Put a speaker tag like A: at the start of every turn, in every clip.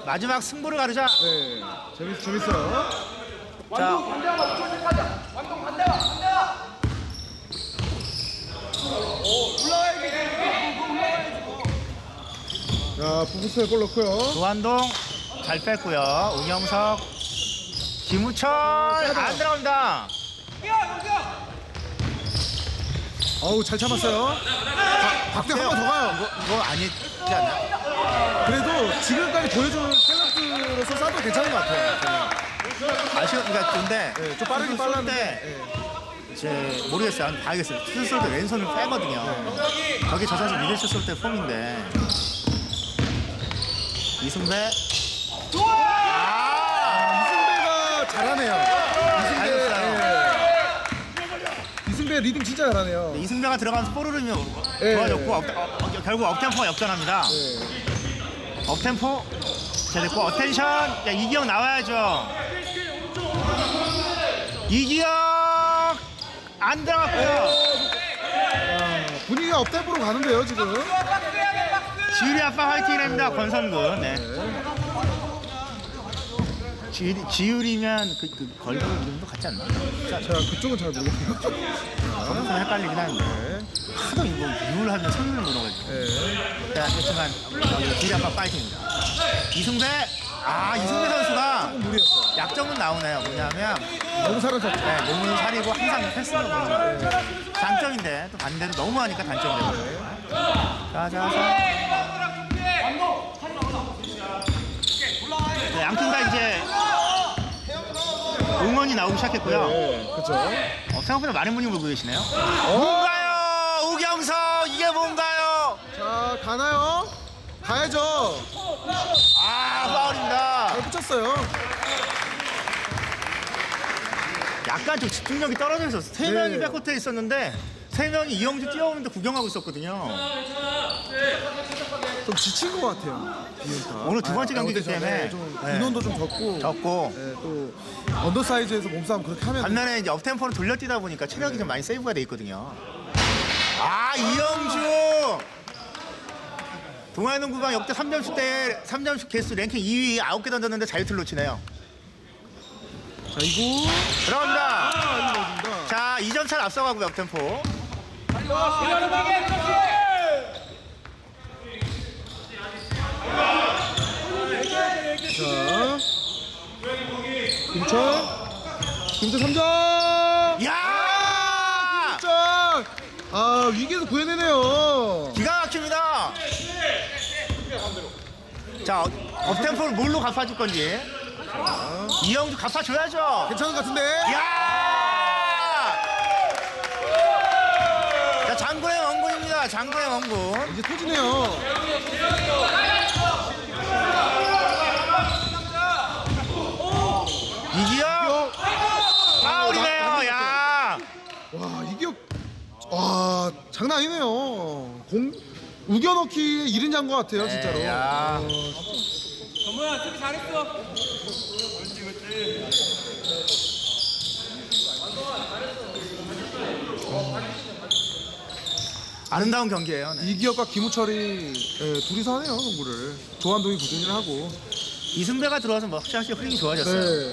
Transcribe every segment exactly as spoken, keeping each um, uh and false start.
A: 마지막 승부를 가르자.
B: 네, 재밌, 재밌어요.
A: 자,
C: 완동 반대와 반대와. 오 올라와야지.
B: 자, 부부스에 골 넣고요.
A: 조한동 잘 뺐고요. 우경석, 김우철 안 들어갑니다.
B: 어우, 잘 참았어요. 박대 한 번 더 가요.
A: 이거, 이거 아니지 않나?
B: 그래도 지금까지 보여준 탤런트로서 쏴도 괜찮은 것 같아요. 저는.
A: 아쉬운, 그러니까 근데
B: 네, 좀 빠르긴 빨랐는데.
A: 네. 이제 모르겠어요. 한번 봐야겠어요. 슛 쏠 때 왼손을 빼거든요.
B: 네.
A: 저게 저 선수 미들 슛 쏠 때 폼인데. 이승배. 아!
B: 이승배가 잘하네요. 이승배,
A: 잘했어요.
B: 예. 이승배 리딩 진짜 잘하네요.
A: 이승배가 들어가면서 볼흐름이
B: 네.
A: 좋아졌고 업, 어, 어, 결국 업템포가 역전합니다.
B: 네.
A: 업템포 자 됐고 어텐션. 야, 이기영 나와야죠. 이기영 안 들어갔고요.
B: 아, 분위기가 업템포로 가는데요, 지금.
A: 지율이 아빠 화이팅입니다. 권선근. 네. 지율이, 지율이면 그, 그 걸그 이름도 같지 않나? 자,
B: 제가 그쪽은 잘 모르겠어요.
A: 좀 헷갈리긴 하는데
B: 네.
A: 하도 이거 유를 하면 성능을 물어가지고.
B: 네.
A: 자, 하여튼간 지율이 아빠 파이팅입니다. 이승배. 아, 이승배 선수가
B: 조금 무리였어요.
A: 약점은 나오네요. 뭐냐면
B: 너무 살아서.
A: 네, 몸을 사리고 항상 패스를 보는 거. 장점인데 또 반대로 너무 하니까 단점이 되거든요. 자, 자, 자. 네, 양팀 다 이제 응원이 나오기 시작했고요.
B: 네, 그렇죠.
A: 어, 생각보다 많은 분이 보고 계시네요. 뭔가요? 우경석 이게 뭔가요?
B: 자, 가나요? 가야죠.
A: 아, 파울입니다.
B: 잘 붙였어요.
A: 약간 좀 집중력이 떨어져 있었어. 세
B: 네.
A: 명이 백코트에 있었는데 세 명이 이영주 뛰어오는데 구경하고 있었거든요.
B: 좀 지친 것 같아요. 비운타.
A: 오늘 두 번째 경기이기
B: 어디서,
A: 때문에.
B: 네, 좀
A: 네.
B: 인원도 좀 적고.
A: 적고
B: 네, 또 언더사이즈에서 몸싸움 그렇게 하면.
A: 반면에 이제 업템포로 돌려뛰다 보니까 체력이 좀 많이 세이브가 돼 있거든요. 아, 이영주! 동아농구방 역대 삼 점슛 대 삼 점슛 개수 랭킹 이 위 아홉 개 던졌는데 자유투를 놓치네요.
B: 자, 이거.
A: 들어갑니다.
B: 아, 이거 넣어줍니다.
A: 자, 이 점 차를 앞서가고요, 업템포.
B: 자. 김철. 김철 삼 점.
A: 야!
B: 자. 아, 위기에서 구해내네요.
A: 기가 막힙니다. 자, 업템포를 뭘로 갚아줄 건지. 이영주 갚아줘야죠.
B: 괜찮은 것 같은데.
A: 야! 자, 장군의 원군입니다. 장군의 원군.
B: 이제 터지네요.
A: 이기영 파울이네요. 야!
B: 와, 이게 와, 장난 아니네요. 공 우겨넣기 이른 잔 것 같아요, 진짜로.
A: 야.
B: 어,
C: 정모야 수비 잘했어.
A: 아름다운 경기예요. 네.
B: 이기혁과 김우철이 예, 둘이서 하네요, 농구를. 조한동이 부진을 하고.
A: 이승배가 들어와서 뭐 확실히 흐름이 좋아졌어요.
B: 네.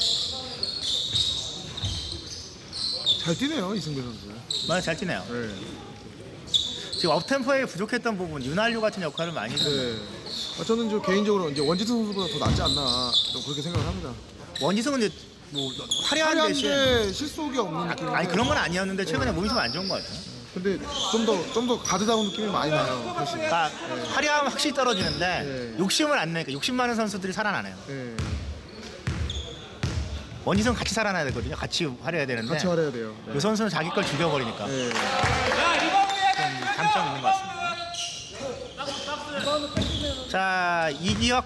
B: 잘 뛰네요, 이승배 선수.
A: 맞아, 잘 뛰네요.
B: 네.
A: 지금 업템포에 부족했던 부분 윤활유 같은 역할을 많이 해요.
B: 네. 아, 저는 저 개인적으로 이제 원지성 선수보다 더 낫지 않나 좀 그렇게 생각을 합니다.
A: 원지성은 이제 뭐 화려한 대신
B: 화려한데 실속이 없는 느낌.
A: 아니 그런 건 아니었는데 최근에 몸이 좀 안 좋은 것 같아요.
B: 근데 좀 더 좀 더 가드다운 느낌이 많이 나요, 훨씬.
A: 그러니까 화려함은 확실히 떨어지는데
B: 네.
A: 욕심을 안 내니까 욕심 많은 선수들이 살아나네요.
B: 네.
A: 원지성 같이 살아나야 되거든요. 같이 화려해야 되는데
B: 같이 활해야 돼요. 네.
A: 그 선수는 자기 걸 죽여버리니까
B: 네.
A: 좀 장점이 있는 것 같습니다. 자, 이기혁.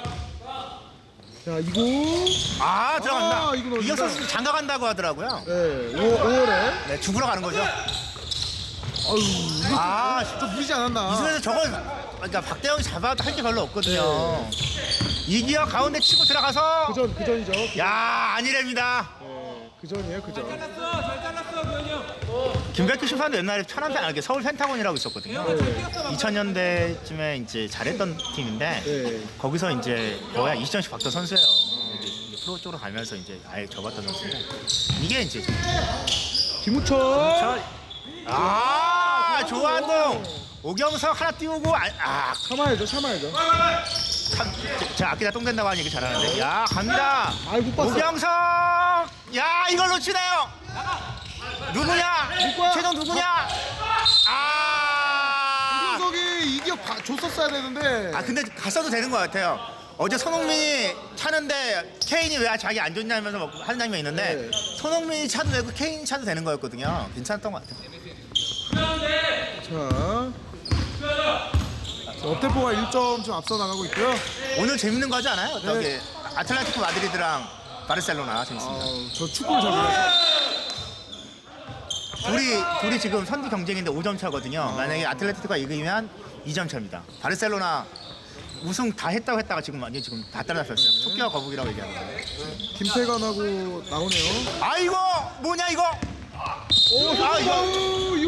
B: 자, 이거.
A: 아, 들어간다.
B: 아, 이거 넣어준다.
A: 이기혁 선수 장가 간다고 하더라고요.
B: 네. 오월에.
A: 네, 죽으러 가는 거죠.
B: 아유, 이거
A: 아,
B: 좀 무리지 않았나.
A: 이승에서 저걸 그러니까 박대영이 잡아도 할 게 별로 없거든요.
B: 네.
A: 이기혁 가운데 치고 들어가서
B: 그전 그전이죠.
A: 야, 아니랍니다.
B: 네. 그전이에요, 그전.
C: 잘랐어 잘 잘랐어 교현이 형.
A: 김백규 심판도 옛날에 천안 펜, 아니, 서울 펜타곤이라고 있었거든요. 이천 년대쯤에 이제 잘했던 팀인데
B: 네.
A: 거기서 이제 거의 한 이십 점씩 박던 선수예요. 근데 이제 프로 쪽으로 가면서 이제 아예 접었던 선수인데 이게 이제
B: 김우철.
A: 저, 아 조한동 오경석 하나 띄우고 아, 아
B: 참아야죠, 참아야죠.
A: 참, 제가 아끼다 똥 된다고 하는 얘기 잘하는데 야 갑니다.
B: 아이, 못 봤어.
A: 오경석 야 이걸 놓치네요. 누구냐
B: 누구야?
A: 최종 누구냐 아
B: 오경석이 이기억 봐- 줬었어야 되는데.
A: 아 근데 갔어도 되는 것 같아요. 어제 손흥민이 차는데 케인이 왜 자기 안 좋냐면서 막 하는 장면이 있는데
B: 네.
A: 손흥민이 차도 되고 케인이 차도 되는 거였거든요. 괜찮았던 것 같아요.
B: 자, 자, 업템포가 일 점 좀 앞서 나가고 있고요.
A: 오늘 재밌는 거 하지 않아요?
B: 네.
A: 저기 아틀레티코 마드리드랑 바르셀로나 재밌습니다.
B: 어, 저 축구를 잘 몰라서.
A: 둘이 둘이 지금 선두 경쟁인데 오 점 차거든요. 만약에 아틀레티코가 이기면 이 점 차입니다. 바르셀로나 우승 다 했다고 했다가 지금 완전 지금 다 따라잡혔어요. 토끼와 거북이라고 얘기하는 거예요.
B: 김태관하고 나오네요.
A: 아이고 뭐냐 이거?
B: 오,
A: 아, 이거-
B: 어,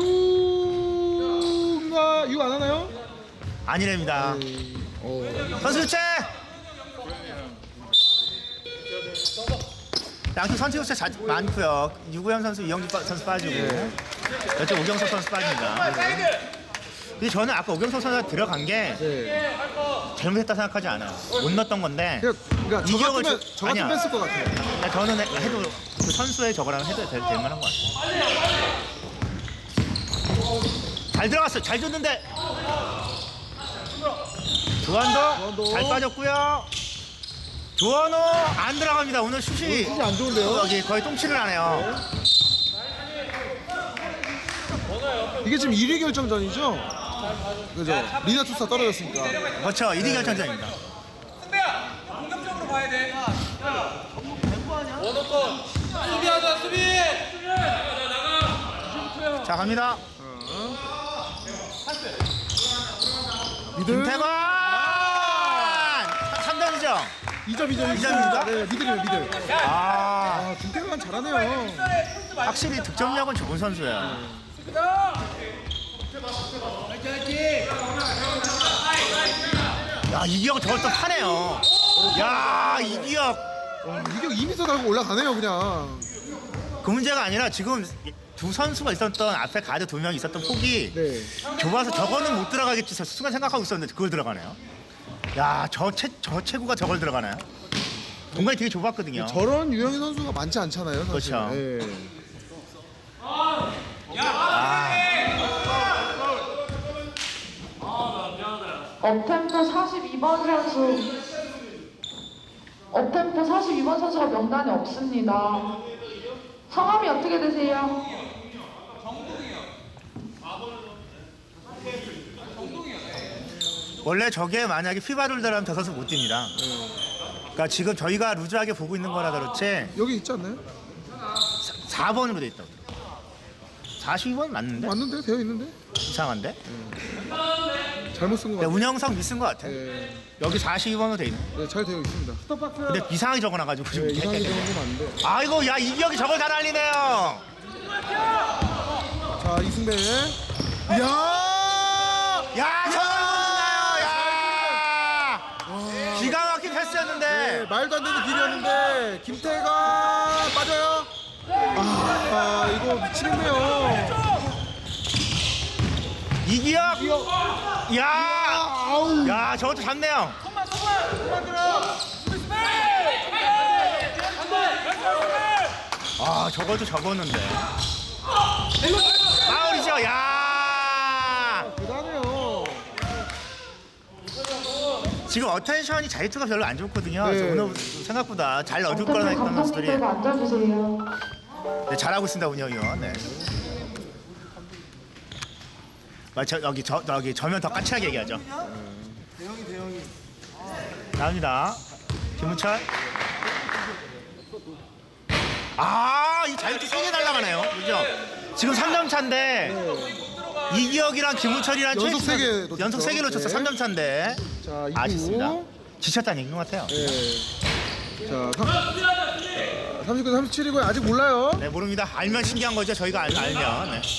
B: 유가 유 안 하나요?
A: 아니랍니다.
B: 어.
A: 선수 교체. 양팀 선수 교체 자, 많고요. 유구현 선수, 이영주 빠- 선수 빠지고
B: 네.
A: 이쪽 오경석 선수 빠집니다. 근데 저는 아까 오경석 선수가 들어간 게
B: 네.
A: 잘못했다 생각하지 않아요. 못 넣었던 건데
B: 그러니까, 그러니까 저
A: 이기억을
B: 같으면
A: 주-
B: 저 같으면
A: 아니야.
B: 뺐을 것 같아요.
A: 그러니까 저는 해- 해도 그 선수의 저거랑 해도 될, 될 만한 것 같아요. 잘 들어갔어요. 잘 줬는데 조한도
B: 조한도.
A: 잘 빠졌고요. 조한호 안 들어갑니다. 오늘 슛이
B: 슛이 안 좋은데요?
A: 여기 거의 똥칠을 하네요.
B: 이게 지금 일 위 결정전이죠? 그죠? 리나 투사 떨어졌으니까.
A: 그렇죠. 일 위 결정전입니다.
C: 승배야 공격적으로 봐야 돼. 원호권 수비하자 수비.
A: 자 갑니다.
B: 미들
A: 김태관 삼 점이죠.
B: 이 점 이 점
A: 이 점입니까?
B: 네, 미들이에요, 미들.
A: 아
B: 아, 김태관 잘하네요.
A: 확실히 득점력은 좋은 선수예요. 야 이기혁 저걸 또 파네요. 야 이기혁
B: 어, 이게 이 미터 달고 올라가네요, 그냥.
A: 그 문제가 아니라 지금 두 선수가 있었던 앞에 가드 두 명 있었던 폭이
B: 네.
A: 좁아서 저거는 못 들어가겠지 순간 생각하고 있었는데 그걸 들어가네요. 야저 저 체구가 저걸 들어가나요? 공간이 되게 좁았거든요.
B: 저런 유형의 선수가 많지 않잖아요, 사실.
A: 그렇죠.
B: 예.
D: 업템포 사십이 번 선수 업템포 사십이 번 선수가 명단에 없습니다. 성함이 어떻게 되세요?
A: 원래 저게 만약에 피바룰드라면 저 선수 못 뜁니다. 그러니까 지금 저희가 루즈하게 보고 있는 거라 그렇지
B: 여기 있지 않나요?
A: 사 번으로 돼 있다고. 사십이 번 맞는데?
B: 맞는데? 되어 있는데?
A: 이상한데?
B: 잘못 쓴 것
A: 근데
B: 같아요.
A: 운영성 미쓴 것 같아.
B: 예.
A: 여기 사십이 번으로 돼 있네.
B: 네, 잘 되어 있습니다. 스톱박스.
A: 근데 이상하게 적어놔가지고 지금
B: 네, 이상하게
A: 헷갈려.
B: 되는 건 아닌데.
A: 아이고 야 이기혁이 저걸 잘 알리네요.
B: 자, 이승배. 이야!
A: 야 저걸 못나요. 야 기가 막힌 패스였는데.
B: 네, 말도 안 되는 길이었는데 김태관 빠져요. 아, 아 이거 미치겠네요.
A: 이기혁. 야.
B: 아우.
A: 야 저것도 잡네요. 아 저것도 적었는데. 파울이죠. 야.
B: 대단해요.
A: 지금 어텐션이 자유투가 별로 안 좋거든요.
B: 네.
A: 그래서 오늘 생각보다 잘 넣어줄
D: 업템포
A: 거라 했던 선수들이
D: 감독님께서 앉아주세요.
A: 네, 잘하고 있습니다 운영이요. 네. 아, 저, 여기 저 여기 저면 더 까칠하게 얘기하죠. 대형이 대형이. 나옵니다. 김문철. 아, 이 자유투 세 개 날아가네요. 그죠? 지금 삼 점 차인데 이기혁이랑 김문철이랑
B: 연속
A: 최-
B: 세 개 놓쳤죠.
A: 연속 세 개 놓쳤어.
B: 네.
A: 삼 점 차인데
B: 자, 이구.
A: 아쉽습니다. 지쳤다는 얘기인 것 같아요.
B: 네. 자, 삼, 자, 삼십구, 삼십칠이고요. 아직 몰라요.
A: 네, 모릅니다. 알면 신기한 거죠. 저희가 알, 알면. 네.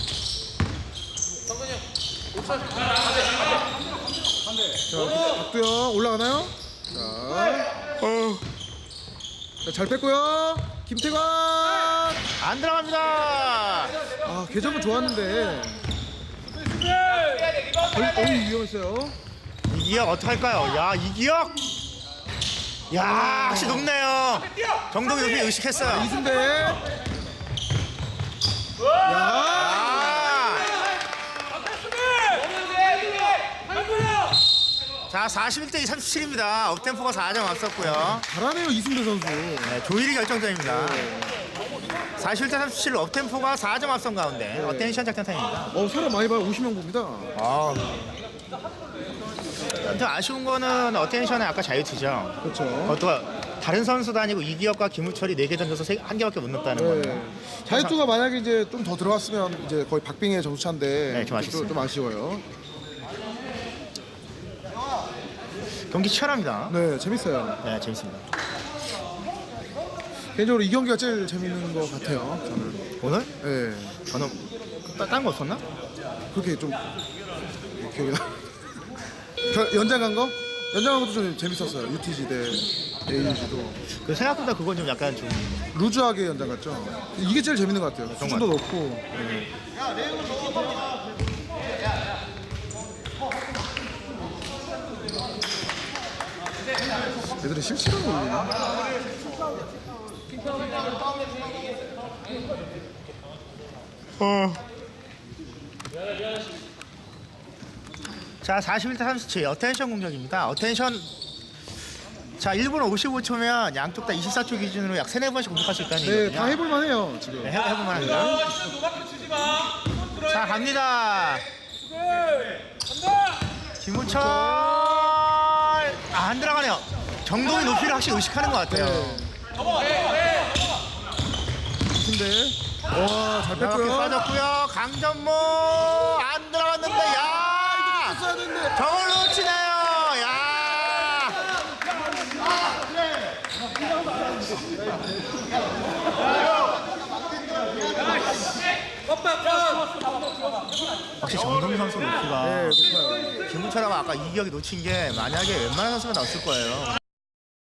B: 자, 박두영 올라가나요? 자, 어. 자, 잘 뺐고요. 김태관.
A: 안 들어갑니다.
B: 아, 궤적은 좋았는데. 거의, 어이, 위험했어요.
A: 이기혁 어떡할까요? 야, 이기혁! 야, 역시 높네요. 정동이 높이 의식했어요.
B: 이승대. 야,
A: 아! 자, 사십일 대 삼십칠입니다. 업템포가 사 점 앞섰고요.
B: 잘하네요, 이승대 선수.
A: 네, 조일이 결정점입니다. 사십일 대 삼십칠 업템포가 사 점 앞선 가운데 어텐션 작전 타임입니다.
B: 어, 사람 많이 봐요. 오십 명 봅니다.
A: 아. 좀 아쉬운 거는 어텐션의 아까 자유투죠.
B: 그렇죠.
A: 그것도 다른 선수도 아니고 이기혁과 김우철이 네 개 던져서 세- 한 개밖에 못 넣었다는
B: 네.
A: 거예요.
B: 자유투가 만약에 이제 좀 더 들어갔으면 이제 거의 박빙의 점수차인데
A: 네, 좀 아쉽습니다.
B: 좀 아쉬워요.
A: 경기 치열합니다.
B: 네, 재밌어요.
A: 네, 재밌습니다.
B: 개인적으로 이 경기가 제일 재밌는 것 같아요. 저는.
A: 오늘?
B: 네,
A: 저는 딴 거 없었나?
B: 그렇게 좀 기억이 나. 겨- 연장 간 거? 연장 간 것도 좀 재밌었어요. 유티지 대 에이유지도
A: 그 생각보다 그건 좀 약간 좀
B: 루즈하게 연장 갔죠. 이게 제일 재밌는 것 같아요. 수준도 높고. 애들은 실시간 올리나?
A: 자, 사십일 대 삼십칠 어텐션 공격입니다. 어텐션 자, 일 분 오십오 초면 양쪽 다 이십사 초 기준으로 약 세네 번씩 공격할 수 있다는
B: 네,
A: 얘기거든요.
B: 다 해볼 만해요 지금.
A: 네, 해, 해볼 만합니다.
C: 노마크로 치지 마. 손 들어야
A: 자, 갑니다.
C: 간다.
A: 김우철 아, 안 들어가네요. 정동이 높이를 확실히 의식하는 것 같아요.
B: 근데 와, 잘
A: 이렇게
B: 뺐고요.
A: 빠졌고요. 강전모 안 들어갔는데 야
B: 써야 되는데.
A: 저걸 놓치네요. 야 확실히 정동희 선수 높이가
B: 네, 높아요.
A: 김우철하고 아까 이기혁이 놓친 게 만약에 웬만한 선수가 나왔을 거예요.